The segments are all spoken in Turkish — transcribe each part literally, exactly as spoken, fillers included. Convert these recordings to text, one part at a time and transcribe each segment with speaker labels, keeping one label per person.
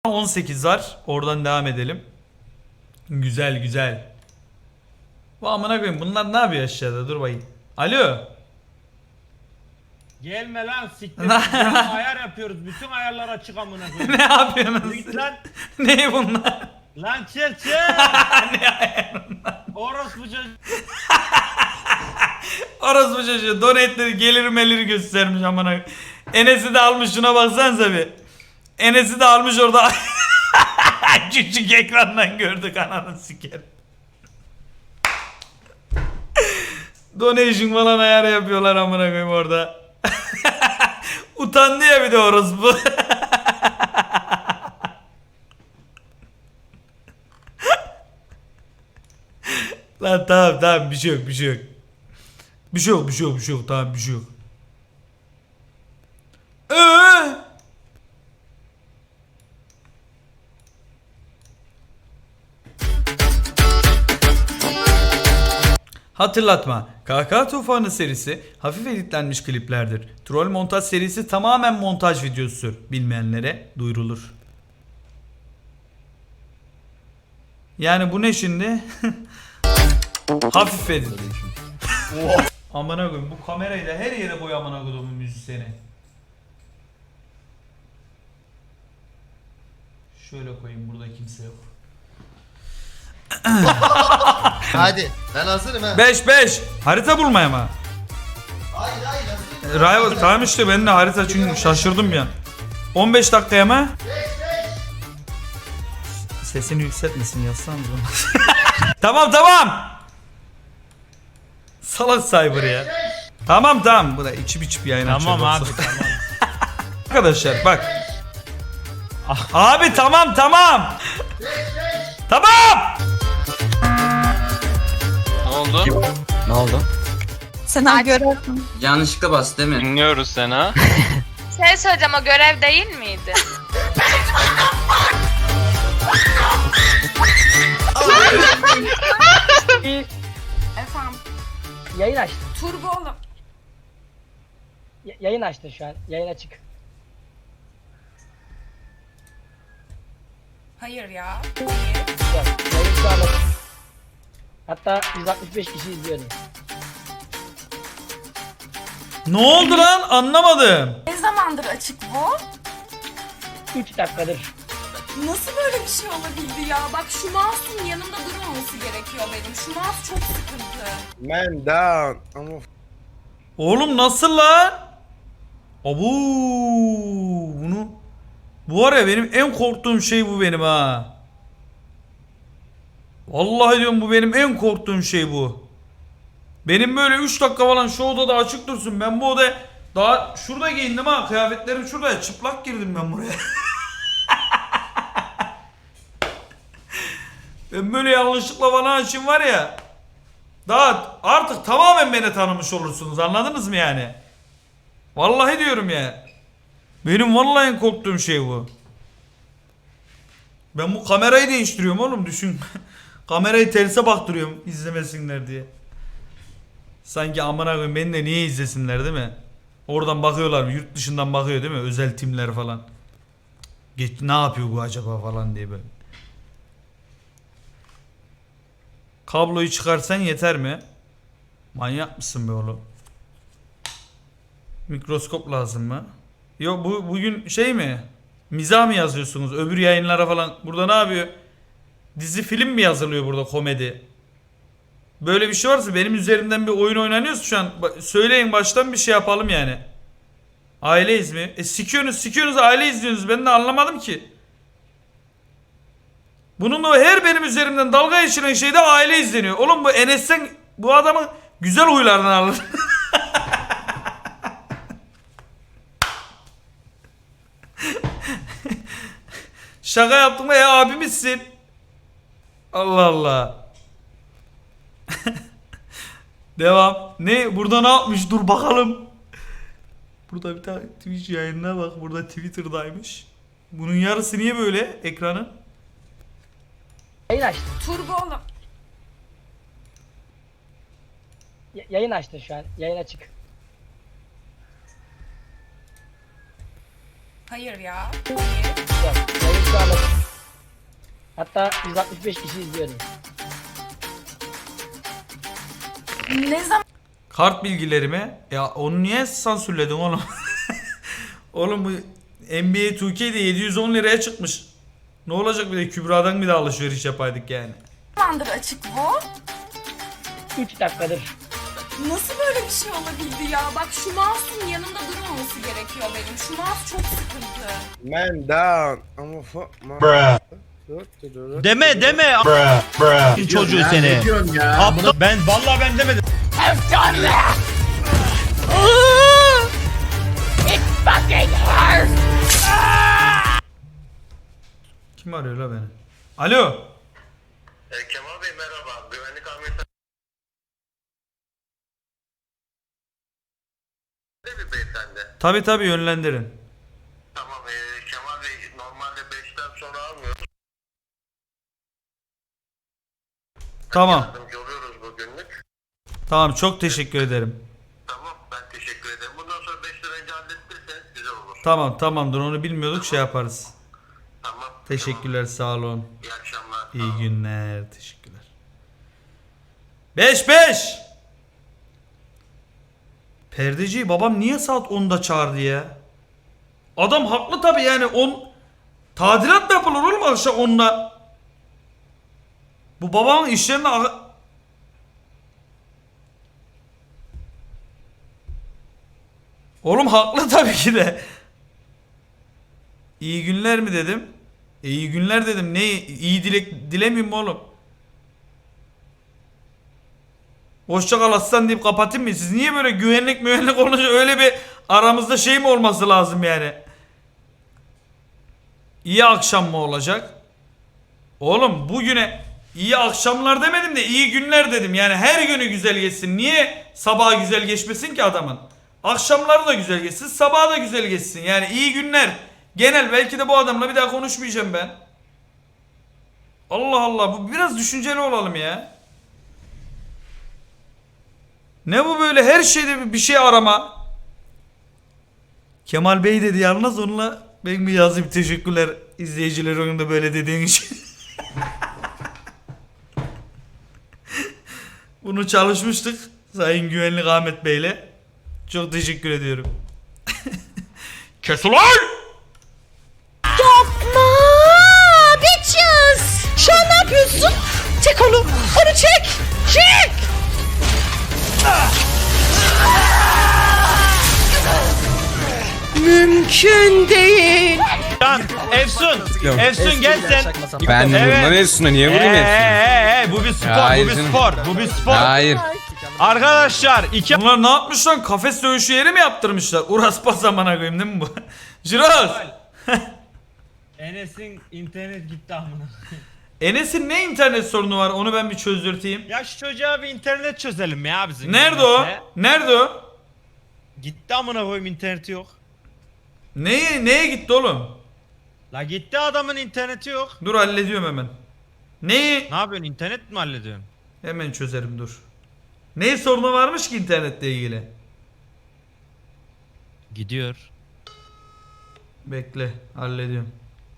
Speaker 1: on sekiz var. Oradan devam edelim. Güzel güzel. Bu amına koyayım bunlar ne yapıyor aşağıda? Dur bakayım. Alo.
Speaker 2: Gelme lan siktir. Ya, ayar yapıyoruz. Bütün ayarlar açık amına koyayım.
Speaker 1: Ne yapıyorsunuz?
Speaker 2: Git lan.
Speaker 1: Ne bunlar?
Speaker 2: Lan çer çer.
Speaker 1: Ne ayarınlar?
Speaker 2: Orospu çocuğu.
Speaker 1: Orospu çocuğu donate'leri gelir melir göstermiş amına koyayım. Enes'i de almış şuna baksanıza bir. Enes'i de almış orada. Küçük ekrandan gördük ananı siker. Donation falan ayar yapıyorlar amına koyayım orada. Utandı ya bir de orospu. Lan tamam tamam bir şey yok bir şey yok. Bir şey yok bir şey yok bir şey yok tamam bir şey yok. Ee? Hatırlatma. K K Tufanı serisi hafif editlenmiş kliplerdir. Troll montaj serisi tamamen montaj videosudur. Bilmeyenlere duyurulur. Yani bu ne şimdi? Hafif edit. Amına koyayım bu kamerayı da her yere koy amına koyduğumun müzisyeni. Şöyle koyayım burada kimse yok.
Speaker 3: Hadi ben hazırım ha.
Speaker 1: beş beş harita bulmaya mı?
Speaker 3: Hayır hayır hazırım.
Speaker 1: Rival tamam işte ben de harita çünkü şaşırdım ya. on beş dakikaya mı? Sesini yükseltmesin yazsanız onu. Tamam tamam. Salak cyber ya. Tamam tamam bu da içip içip yayın açıyor.
Speaker 2: Tamam abi
Speaker 1: yoksa.
Speaker 2: tamam.
Speaker 1: Arkadaşlar bak. Abi tamam tamam. Tamam.
Speaker 4: Ne oldu?
Speaker 5: Ne oldu?
Speaker 6: Sen ha görüyorsun.
Speaker 5: Yanlışlıkla bastı değil mi?
Speaker 4: Dinliyoruz seni ha.
Speaker 7: Şey söyleyeceğim, o görev değil miydi? Efendim,
Speaker 8: Yayın açtın.
Speaker 7: Turbo oğlum.
Speaker 8: Y- yayın açtın şu an. Yayın açık.
Speaker 7: Hayır ya.
Speaker 8: Yok, yayın şu an açık. Hatta yüz altmış beş kişi izliyordu.
Speaker 1: Ne oldu lan anlamadım.
Speaker 7: Ne zamandır açık bu?
Speaker 8: üç dakikadır.
Speaker 7: Nasıl böyle bir şey olabildi ya? Bak şu mouse'un yanımda durmaması gerekiyor benim. Şu mouse çok sıkıntı.
Speaker 9: Man down. I'm a
Speaker 1: Oğlum nasıl lan? Abu bunu bu var ya benim en korktuğum şey bu benim ha. Vallahi diyorum bu benim en korktuğum şey bu. Benim böyle üç dakika falan şu odada açık dursun. Ben bu odaya daha şurada giyindim ha. Kıyafetlerim şurada. Çıplak girdim ben buraya. Ben böyle yanlışlıkla bana açayım var ya. Daha artık tamamen beni tanımış olursunuz. Anladınız mı yani? Vallahi diyorum ya. Benim vallahi en korktuğum şey bu. Ben bu kamerayı değiştiriyorum oğlum düşün. Kamerayı terse baktırıyorum izlemesinler diye. Sanki amına koyayım beni de niye izlesinler değil mi? Oradan bakıyorlar yurt dışından bakıyor değil mi? Özel timler falan. Geç, ne yapıyor bu acaba falan diye böyle. Kabloyu çıkarsan yeter mi? Manyak mısın be oğlum? Mikroskop lazım mı? Yok bu bugün şey mi? Mizah mı yazıyorsunuz? Öbür yayınlara falan. Burada ne yapıyor? Dizi film mi yazılıyor burada komedi? Böyle bir şey varsa benim üzerimden bir oyun oynanıyorsa şu an söyleyin baştan bir şey yapalım yani. Aileyiz mi? E sikiyorsunuz sikiyorsunuz aile izliyorsunuz ben de anlamadım ki. Bununla her benim üzerimden dalga geçiren şeyde aile izleniyor. Oğlum bu Enes'ten bu adamın güzel huylarını alır. Şaka yaptım da ya abimizsin. Allah Allah. Devam. Ne? Burada ne yapmış? Dur bakalım. Burada bir tane Twitch yayınına bak. Burada Twitter'daymış. Bunun yarısı niye böyle ekranın?
Speaker 8: Yayın açtın.
Speaker 7: Turbo oğlum.
Speaker 8: Y- yayın açtın şu an. Yayın açık.
Speaker 7: Hayır ya.
Speaker 8: Güzel. Yayın sağlık. Hatta yüz altmış beş kişi izliyordu.
Speaker 7: Ne zaman
Speaker 1: Kart bilgilerimi. Ya onu niye sansürledin oğlum? Oğlum bu N B A iki K'de yedi yüz on liraya çıkmış. Ne olacak bir de Kübra'dan bir de alışveriş yapaydık yani.
Speaker 7: zamandır açık bu?
Speaker 8: üç dakikadır.
Speaker 7: Nasıl böyle bir şey olabildi ya? Bak şu mouse'un yanında durmaması gerekiyor benim. Şu mouse çok sıkıntı.
Speaker 9: Man down. I'm a fuck man. Bruh.
Speaker 2: Deme deme. Çocuğu seni. Aptal. Ben vallahi ben demedim.
Speaker 1: Kim arıyor la beni? Alo.
Speaker 3: E, Kemal Bey merhaba. Güvenlik amiriyeti bir beyefendi.
Speaker 1: Tabi tabi yönlendirin.
Speaker 3: Tamam e, Kemal Bey normalde beşten sonra almıyoruz.
Speaker 1: Tamam.
Speaker 3: Yardımcı oluyoruz bugünlük.
Speaker 1: Tamam çok teşekkür ederim.
Speaker 3: Tamam ben teşekkür ederim. Bundan sonra beş lira önce halletirseniz güzel olur.
Speaker 1: Tamam tamamdır onu bilmiyorduk şey yaparız.
Speaker 3: Tamam.
Speaker 1: Teşekkürler sağ olun.
Speaker 3: Tamam. İyi akşamlar.
Speaker 1: İyi günler. Teşekkürler. beş beş. Perdeciyi babam niye saat onda çağırdı ya? Adam haklı tabi yani on tadilat mı yapılır oğlum akşam onda? Bu babamın işlerine a- Oğlum haklı tabii ki de. İyi günler mi dedim? E, iyi günler dedim. Ne iyi dilek dilemeyeyim mi oğlum? Hoşça kal aslan deyip kapatayım mı? Siz niye böyle güvenlik müvenlik olunca öyle bir aramızda şey mi olması lazım yani? İyi akşam mı olacak? Oğlum bugüne iyi akşamlar demedim de iyi günler dedim. Yani her günü güzel geçsin. Niye sabaha güzel geçmesin ki adamın? Akşamları da güzel geçsin, sabaha da güzel geçsin. Yani iyi günler. Genel belki de bu adamla bir daha konuşmayacağım ben. Allah Allah bu biraz düşünceli olalım ya. Ne bu böyle her şeyde bir şey arama. Kemal Bey dedi yalnız onunla ben bir yazayım teşekkürler izleyiciler onun da böyle dediğin için. Bunu çalışmıştık Sayın Güvenlik Ahmet Bey'le. Çok teşekkür ediyorum. Kes ulan!
Speaker 6: Yapma! Bitches! Şu an ne yapıyorsun? Çek onu! Onu çek! Çek! Mümkün değil.
Speaker 2: Lan Efsun. Efsun gel sen.
Speaker 5: Ben
Speaker 2: Evet.
Speaker 5: vurma Efsun'a niye vurayım
Speaker 2: Ee,
Speaker 5: Efsun'a?
Speaker 2: ee, ee, bu bir spor,
Speaker 5: Hayır
Speaker 2: bu bir
Speaker 5: canım.
Speaker 2: spor, bu bir spor.
Speaker 5: Hayır.
Speaker 2: Arkadaşlar iki
Speaker 1: Bunlar ne yapmış lan? Kafes dövüşü yeri mi yaptırmışlar? Uras pas amına koyayım değil mi bu? Jiroz!
Speaker 2: Enes'in internet gitti amına.
Speaker 1: Enes'in ne internet sorunu var? Onu ben bir çözdürteyim.
Speaker 2: Ya şu çocuğa bir internet çözelim ya bizim.
Speaker 1: Nerede o?
Speaker 2: internete.
Speaker 1: Nerede o?
Speaker 2: Gitti amına koyayım interneti yok.
Speaker 1: Neye, neye gitti oğlum?
Speaker 2: La gitti adamın interneti yok.
Speaker 1: Dur hallediyorum hemen. Neyi?
Speaker 2: Ne yapıyorsun internet mi hallediyorsun?
Speaker 1: Hemen çözerim dur. Ne sorunu varmış ki internetle ilgili?
Speaker 2: Gidiyor.
Speaker 1: Bekle hallediyorum.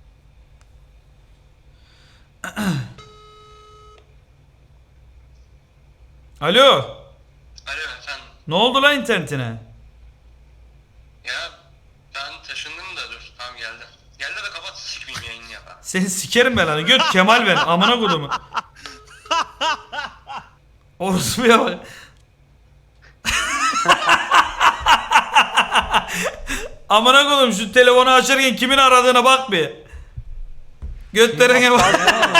Speaker 1: Alo.
Speaker 3: Alo efendim.
Speaker 1: Ne oldu lan internetine?
Speaker 3: Ya ben taşındım da dur. Tamam geldim. Geldi de kapat sikmeyeyim yayını ya.
Speaker 1: Seni sikerim ben hani. Göt Kemal ben. Amına kodumu. Orospuya bak. Amına kodum şu telefonu açarken kimin aradığına bak bir. Götlerine bak.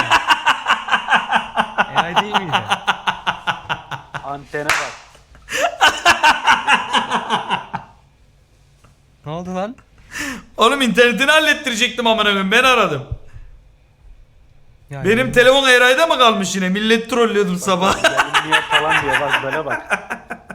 Speaker 8: Eray değil miydi? Antene bak. Ne oldu lan?
Speaker 1: Oğlum internetini hallettirecektim amına koyayım. Ben aradım.
Speaker 8: Yani
Speaker 1: Benim telefon Eray'da mı kalmış yine? Millet trollüyordum sabah.
Speaker 8: niye falan diyor bak böyle bak.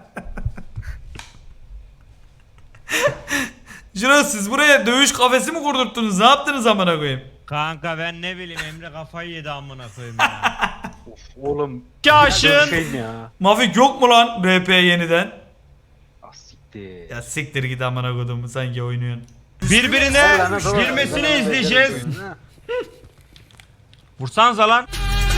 Speaker 1: Jiroz siz buraya dövüş kafesi mi kurdurttunuz? Ne yaptınız amına koyayım?
Speaker 2: Kanka ben ne bileyim Emre kafayı yedi amına koyayım ya.
Speaker 8: Oğlum.
Speaker 2: Kaşın.
Speaker 8: ya.
Speaker 1: Mafik yok mu lan R P yeniden?
Speaker 8: Ah siktir.
Speaker 1: Ya siktir git amına kodumu sanki oynuyorsun.
Speaker 2: Birbirine girmesini izleyeceğiz. Vursanıza lan.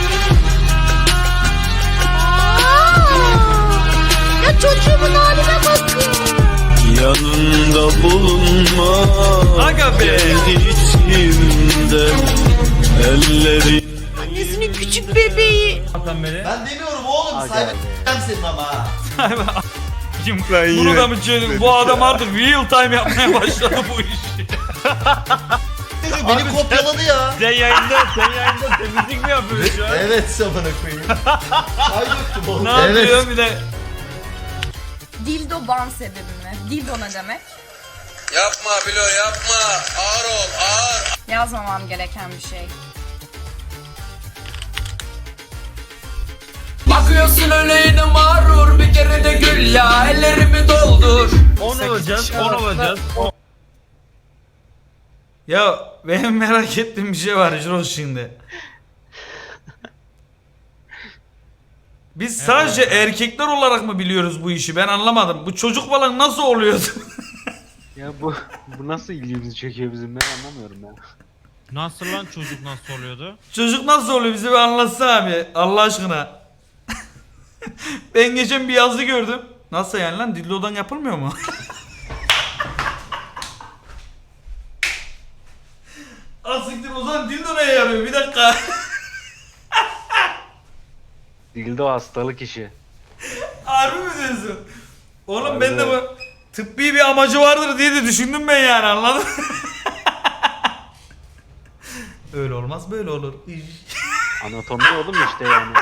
Speaker 6: Ya çocuğumun haline bakın.
Speaker 4: Yanında bulunma.
Speaker 1: Aga be.
Speaker 4: içimde elleri.
Speaker 6: Annesinin küçük bebeği.
Speaker 10: Ben demiyorum oğlum. Sahibi senin ama ha.
Speaker 1: Kim? Bunu da mı çözdün? Bu adam artık real time yapmaya başladı bu işi.
Speaker 10: Beni kopyaladı ya.
Speaker 2: Sen yayında, sen yayında temizlik mi yapıyorsun şu an?
Speaker 10: Evet sabana koyayım. Ay yoktu bu.
Speaker 1: Ne yapıyor bir de?
Speaker 7: Dildo ban sebebi mi? Dildo ne demek?
Speaker 3: Yapma Bilo yapma. Ağır ol ağır.
Speaker 7: Yazmamam gereken bir şey.
Speaker 5: Bakıyorsun öyle yine mağrur bir kere de gül ya ellerimi doldur.
Speaker 2: Onu alacağız, onu alacağız.
Speaker 1: Ya benim merak ettiğim bir şey var Jiros şimdi. Biz sadece erkekler olarak mı biliyoruz bu işi? Ben anlamadım. Bu çocuk falan nasıl oluyordu?
Speaker 11: Ya bu bu nasıl ilgimizi çekiyor bizim, ben anlamıyorum ya.
Speaker 2: Nasıl lan çocuk nasıl oluyordu?
Speaker 1: Çocuk nasıl oluyor bize bir anlatsana abi Allah aşkına. Ben geçen bir yazı gördüm. Nasıl yani lan dildodan yapılmıyor mu? Asiktir o zaman dildo neye yarıyor bir dakika.
Speaker 11: Dildo hastalık işi.
Speaker 1: Harbi mi diyorsun? Oğlum ben de bu tıbbi bir amacı vardır diye de düşündüm ben yani anladın mı? Öyle olmaz böyle olur.
Speaker 11: Anatomi oğlum işte yani.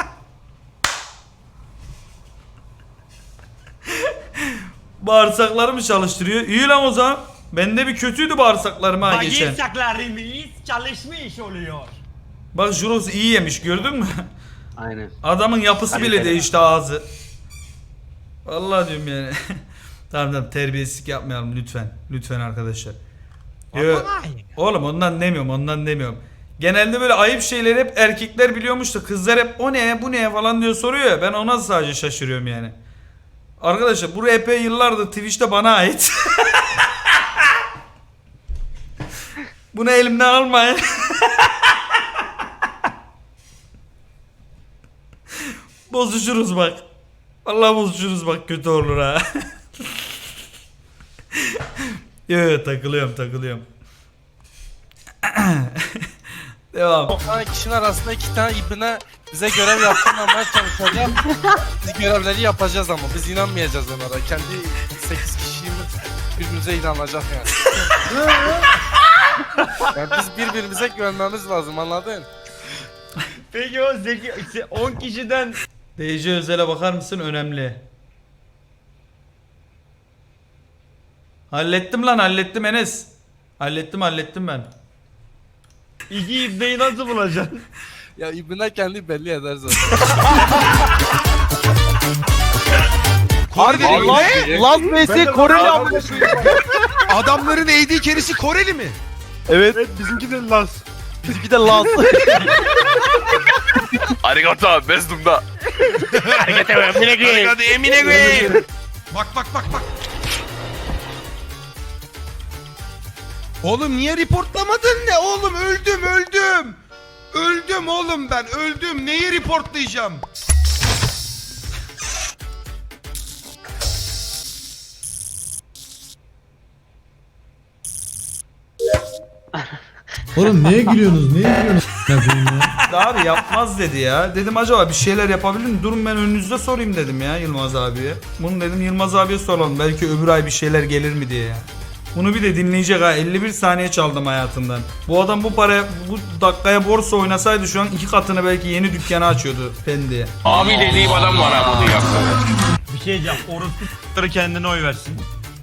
Speaker 1: Bağırsaklarımı çalıştırıyor. İyi lan o zaman. Bende bir kötüydü bağırsaklarım ha geçen.
Speaker 2: Bağırsaklarımız çalışmış oluyor.
Speaker 1: Bak Juros iyi yemiş gördün mü?
Speaker 11: Aynen.
Speaker 1: Adamın yapısı
Speaker 11: Hadi
Speaker 1: bile
Speaker 11: bakalım.
Speaker 1: değişti ağzı. Vallahi diyorum yani. Tamam tamam terbiyesizlik yapmayalım lütfen. Lütfen arkadaşlar. Yo, oğlum ondan demiyorum ondan demiyorum. Genelde böyle ayıp şeyleri hep erkekler biliyormuş da kızlar hep o ne bu ne falan diyor soruyor ya. Ben ona sadece şaşırıyorum yani. Arkadaşlar bu R P yıllardır Twitch'te bana ait. Bunu elimden almayın. Bozuşuruz bak. Vallahi bozuşuruz bak kötü olur ha. Yo yo takılıyorum takılıyorum. Devam.
Speaker 9: doksan kişinin arasında iki tane ibne bize görev yaptırmamaya çalışacak. Biz görevleri yapacağız ama biz inanmayacağız onlara. Kendi sekiz kişimiz birbirimize inanacak yani. Yani biz birbirimize güvenmemiz lazım anladın?
Speaker 2: Peki o zeki on kişiden
Speaker 1: D J Özel'e bakar mısın? Önemli. Hallettim lan hallettim Enes. Hallettim hallettim ben.
Speaker 2: iki ibneyi nasıl bulacaksın?
Speaker 9: Ya ibne kendi belli eder zaten.
Speaker 12: Harbi ne? Laz Messi Koreli amına.
Speaker 9: Adamların A D carry'si Koreli mi?
Speaker 12: Evet. Bizimki de Laz. Bizimki de Laz.
Speaker 4: Arigato bezdumda.
Speaker 9: Hadi Emine Bey. Bak bak bak bak. Oğlum niye reportlamadın ne? Oğlum öldüm öldüm. Öldüm oğlum ben öldüm. Neyi reportlayacağım?
Speaker 4: Oğlum neye gülüyorsunuz? Neye gülüyorsunuz?
Speaker 1: Abi yapmaz dedi ya. Dedim acaba bir şeyler yapabilir mi? Durun ben önünüzde sorayım dedim ya Yılmaz abiye. Bunu dedim Yılmaz abiye soralım. Belki öbür ay bir şeyler gelir mi diye ya. Bunu bir de dinleyecek ha. elli bir saniye çaldım hayatımdan. Bu adam bu paraya, bu dakikaya borsa oynasaydı şu an iki katını belki yeni dükkanı açıyordu Pendi'ye.
Speaker 4: Abi dediğim adam var ha bunu yaptı.
Speaker 2: Bir şey diyeceğim. Orospu kendine oy versin.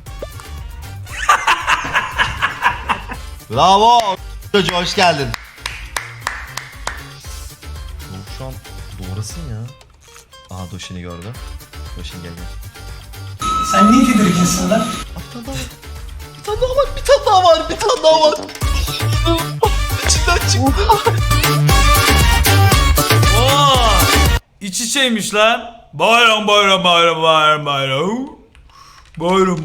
Speaker 10: Bravo. Çocuğu hoş geldin. Oğlum şu an doğrasın ya. Aha Doşin'i gördü. Doşin gel gel.
Speaker 8: Sen niye tedirginsin lan?
Speaker 10: Bir tane daha var, bir tane daha var, bir tane daha var. İçinden çıktı.
Speaker 1: Oo! İç içeymiş lan. Bayram bayram bayram bayram bayram. Bayram.